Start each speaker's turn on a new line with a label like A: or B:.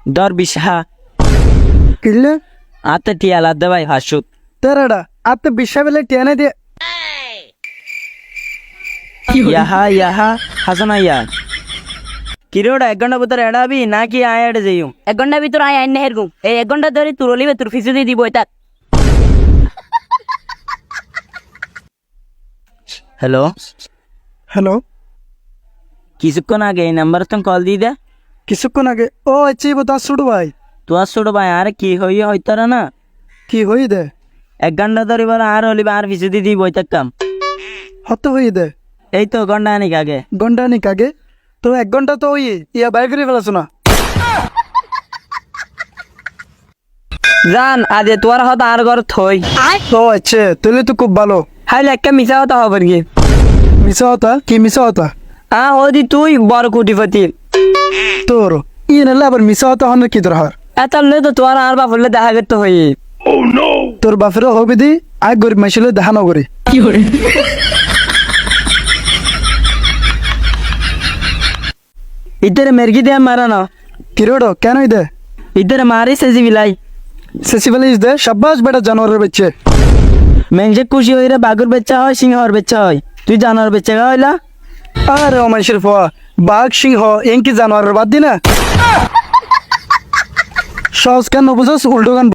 A: দর বিশা
B: কিনলে
A: আতে টিয়া লাদ্দে ভাই হাসুক
B: তেরাডা আত্ম বিশ্বা বেলে টেনে দিয়ে
A: ইয়াহা ইয়াহা হাসানা ইয়া কিরোড়া 1 ঘন্টা ভিতরে এড়াবি নাকি আয় এড়ে যাইম
C: 1 ঘন্টার ভিতর আয় আইন হেরগুম এই 1 ঘন্টা ধরে তোর লিবে তোর ফিসে দিয়ে দিব এটা
A: হ্যালো
B: হ্যালো
A: কিছুক্ষণ আগে এই নাম্বার তো কল দিয়ে দে
B: কিছুক্ষণ আগে ও আচ্ছা বতা শুরু ভাই
A: তোর ছোট ভাই আর কি হইয়ে হইতারা না
B: কি হই দে
A: 1 ঘন্টা ধরে বলে আর হলিবা আর ফিসে দিয়ে দিব কাম
B: হত হই দে
A: এই তো ঘন্টা আনিক আগে
B: ঘন্টা নিক আগে তো 1 ঘন্টা তো ওই ইয়া বাই করে ফেলাছো না
A: জান আদে তোর হত আর ঘর থই
B: ও আচ্ছা তাহলে তো খুব ভালো
A: হাইলে একটা মিশা হতা হবে কি
B: মিশা হতা কি মিশা হতা
A: ওদি তুই বড় কোটিপতি
B: তোর ই নালে আবার মিশা হতা হন কি দরকার
A: এত তো তোর আর বাপলে দেখা করতে হই
B: তোর বাপেরও হবে দি আগ গরিব মাইছিলে দেখা নগরি
A: ইতরে মেরগি দিয়ে মারা না
B: কিরোড়ো কেন দে
A: ইতরে মারি সেজি বিলাই
B: সেসিবালিস দে শাবাশ বেটা জানোয়ারের বাচ্চা
A: মেংসে খুশি হই রে বাগুর বাচ্চা হয় সিংহর বাচ্চা হয় তুই জানোয়ার বাচ্চা হইলা
B: আরে ও মানুষের ফোয়া বাঘ সিংহ এনকি জানোয়ারের বাদ দি না সহজ কেন বুঝস উল্টো গান